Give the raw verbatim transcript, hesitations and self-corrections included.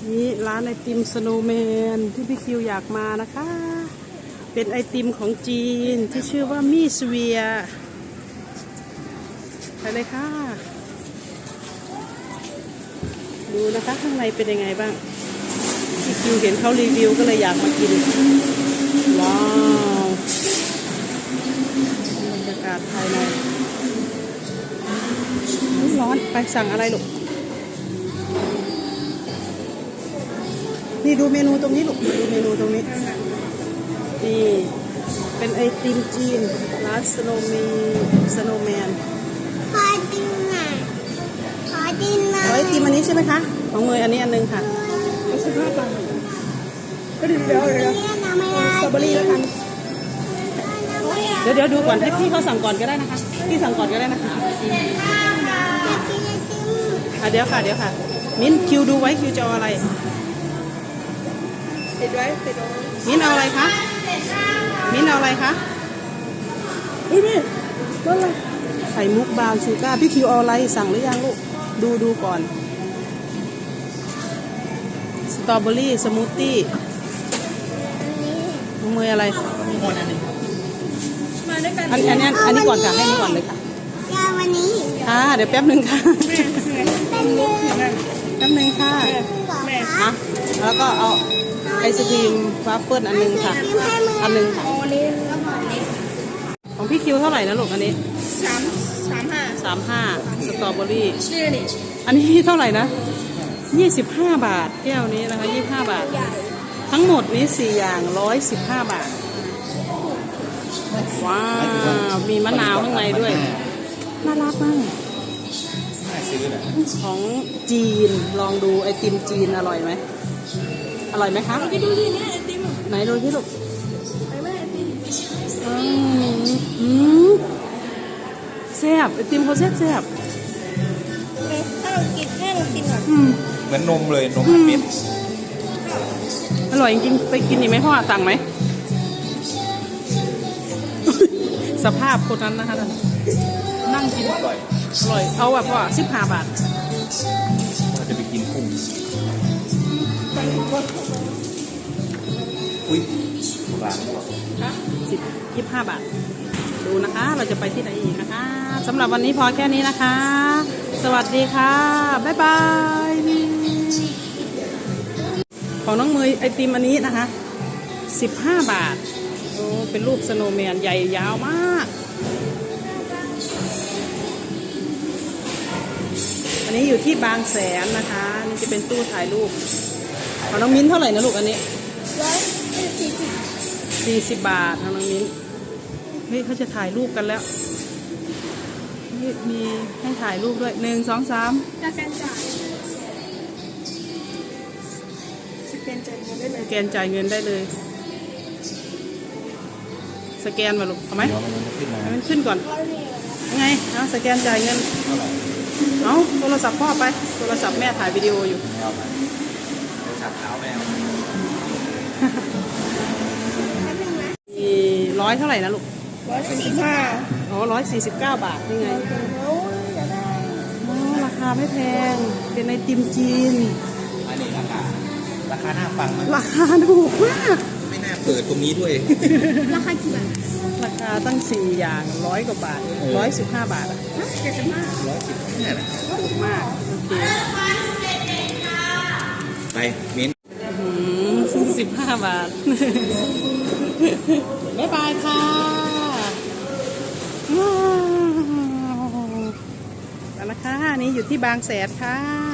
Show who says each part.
Speaker 1: นี่ร้านไอติมสโนว์แมนที่พี่คิวอยากมานะคะ เป็นไอติมของจีนที่ชื่อว่ามี่สเวียไปเลยค่ะดูนะคะข้างในเป็นยังไงบ้างพี่คิวเห็นเขารีวิวก็เลยอยากมากินว้าวบรรยากาศภายในร้อนไปสั่งอะไรลูกนี่ดูเมนูตรงนี้ลูกดูเมนูตรงนี้นี่เป็นไอติมจีนร้านสโนว์มีสโนว์แมน
Speaker 2: ขอดินหน่อยขอดินหน่อย
Speaker 1: ไอติมอันนี้ใช่ไหมคะของเมย์อันนี้อันนึงค่ะก็สิบห้าบาทก็ดีเดี๋ยวเดี๋ยวสตรอเบอรี่แล้วกันเดี๋ยวเดี๋ยวดูก่อนให้พี่เขาสั่งก่อนก็ได้นะคะพี่สั่งก่อนก็ได้นะคะอ่ะเดี๋ยวค่ะเดี๋ยวค่ะมิ้นคิวดูไว้คิวจะเอาอะไรติดไว้ติดไว้มิ้นเอาอะไรคะมิ้นเอาอะไรคะอุ้ยนี่นั่นอะไรไข่มุกบราวน์ชูการ์พี่คิวเอาอะไรสั่งหรือยังลูกดูดูก่อนสตรอเบอรี่สมูทตี้น้องเมย์อะไรอันอันนี้อันนี้ก่อนค่ะให้นี่ก่อนเลยค่ะ
Speaker 2: ยาวันนี้
Speaker 1: ค่ะเดี๋ยวแป๊บหนึ่งค่ะแป๊บหนึ่งค่ะฮะแล้วก็เอาไอศครีมวาฟเฟิลอันนึงค่ะอันนึงค่ะของพี่คิวเท่าไหร่นะลูกอันนี้
Speaker 2: สามสามห้า
Speaker 1: สามห้าสตรอเบอรี่อันนี้เท่าไหร่นะยี่สิบห้าบาทแก้วนี้นะคะยี่สิบห้าบาททั้งหมดนี้สี่อย่างร้อยสิบห้าบาทว้าวมีมะนาวข้างในด้วยน่ารักมากของจีนลองดูไอติมจีนอร่อยไหมอร่อยไหมคะไปดูที่นี่ไอติมไหนดูที่ลูกไปแม่ไอติมอืมแซ่บไอติมเขาแซ่บแซ่บ
Speaker 2: ถ้าเรากินแค่เรากินแบบ
Speaker 3: เหมือนนมเลยนมเม็ด
Speaker 1: อร่อยจริงๆไปกินอีกไหมพ่อสั่งไหมสภาพคนนั้นนะคะนั่งกินอร่อยอร่อยเอาแบบว่าสิบห้าบาท
Speaker 3: เราจะไปกินกุ้งอุ้ยบาท
Speaker 1: สิบยี่สิบห้าบาทดูนะคะเราจะไปที่ไหนอีกนะคะสำหรับวันนี้พอแค่นี้นะคะสวัสดีค่ะบ๊ายบายของน้องเมย์ไอติมอันนี้นะคะสิบห้าบาทโอ้เป็นรูปสโนว์แมนใหญ่ยาวมากอันนี้อยู่ที่บางแสนนะคะนี่จะเป็นตู้ถ่ายรูปของน้องมิ้นเท่าไหร่นะลูกอันนี้
Speaker 2: ร้อยสี่สิบ
Speaker 1: สี่สิบบาทของน้องมิ้นเฮ้ยเขาจะถ่ายรูปกันแล้วมีให้ถ่ายรูปด้วยหนึ่งสองสาม
Speaker 2: สแกนจ่ายสแกนจ่ายเงินได้เลย
Speaker 1: สแกนจ่ายเงินได้เลยสแกนมาลูกเอาไหมให้มันขึ้นก่อนยังไงเอาสแกนจ่ายเงินเอาโทรศัพท์พ่อไปโทรศัพท์แม่ถ่ายวิดีโออยู่
Speaker 3: โทรศัพท์เท้าแม่
Speaker 1: มีร้อยเท่าไหร่นะลูก
Speaker 2: ร้อยสี่สิบห้า
Speaker 1: อ๋อร้อยสี่สิบเก้าบาทนี่ไงอ๋อราคาไม่แพงเป็นไอติมจีน
Speaker 3: อันนี้ราคาราคาน่าฟังนะ
Speaker 1: ราคาถูกมาก
Speaker 3: ไม่น่าเปิดตรงนี้ด้วย
Speaker 2: ราคากี่บาท
Speaker 1: ราคาตั้งสี่อย่างร้อยกว่าบาทร้อยสิบห้าบาทอ่ะ
Speaker 2: เจ็ดสิบห้า
Speaker 3: ร้อยสิบห้านะ
Speaker 1: ถูกมากโอเค
Speaker 3: ไปมิ้น
Speaker 1: สิบห้าบาทบ๊ายบายค่ะว้าวแล้วนะคะนี่อยู่ที่บางแสนค่ะ